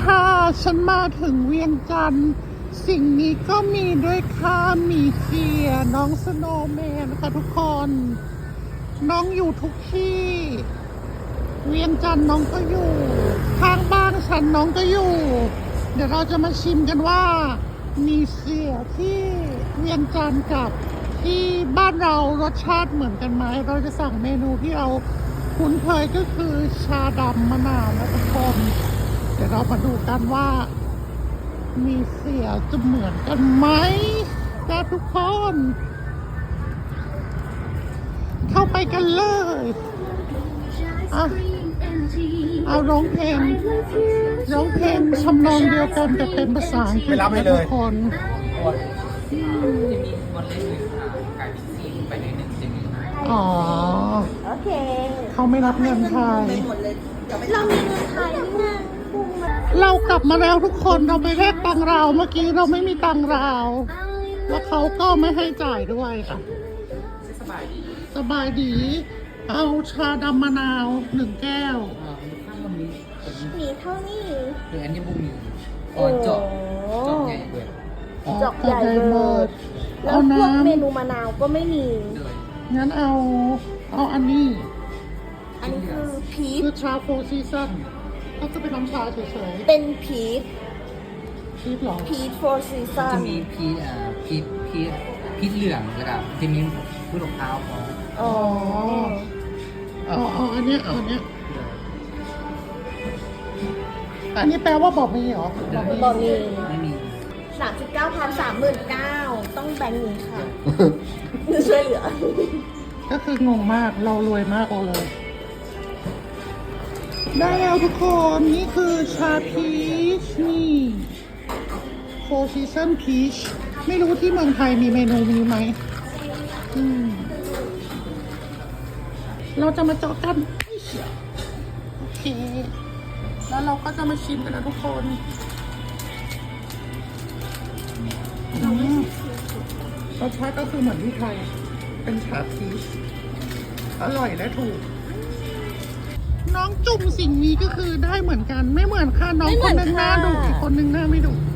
ค่ะฉันมาถึงเวียงจันทร์สิ่งนี้ก็มีด้วยค่ะมีเสียน้องสโนว์แมนค่ะทุกคนน้องอยู่ทุกที่เวียงจันทร์น้องก็อยู่ข้างบ้านฉันน้องก็อยู่เดี๋ยวเราจะมาชิมกันว่ามีเสียที่เวียงจันทร์กับที่บ้านเรารสชาติเหมือนกันไหมเราจะสั่งเมนูที่เราคุ้นเคยก็คือชาดำมะนาวนะทุกคนเดี๋ยวเรามาดูกันว่ามีเสียจะเหมือนกันไหมนะทุกคนเข้าไปกันเลยเอาร้องเพลงทำนองเดียวกันแต่เป็นภาษาอังกฤษนะทุกคนอ๋อโอเคเขาไม่รับเงินไทยเรามีเงินไทยนี่นะเรากลับมาแล้วทุกคนเราไปแลกตังเราเมื่อกี้เราไม่มีตังเราแล้วเขาก็ไม่ให้จ่ายด้วยค่ะสบายดีเอาชาดำมะนาว1 แก้วมีเท่านี้หรืออันนี้บุ้งอยู่เจาะใหญ่เบิดเจาะใหญ่เบิดแล้วพวกเมนูมะนาวก็ไม่มีงั้นเอาอันนี้คือพีชคือชาโฟร์ซีซั่นก็จะเป็นน้ำชาเฉยๆเป็นพีชหรอพีชโฟร์ซีซั่นจะมีพีชเหลืองแล้วก็จะมีพืชมะพร้าวอ๋ออันนี้อันนี้แปลว่าบอกมีเหรอบอกมีไม่มี 39,000 ต้องแบงค์นี้ค่ะช่วยเหลือก็คืองงมากเรารวยมากเลยได้แล้วทุกคนนี่คือชาพีชนี่โฟร์ซีซันพีชไม่รู้ที่เมืองไทยมีเมนูนี้ไหมเราจะมาเจาะกันโอเคแล้วเราก็จะมาชิมกันนะทุกคนรสชาติก็คือเหมือนที่ไทยเป็นชาพีชอร่อยและถูกน้องจุ่มสิ่งนี้ก็คือได้เหมือนกันไม่เหมือนค่ะน้องคนนึงหน้าดุอีกคนนึงหน้าไม่ดุ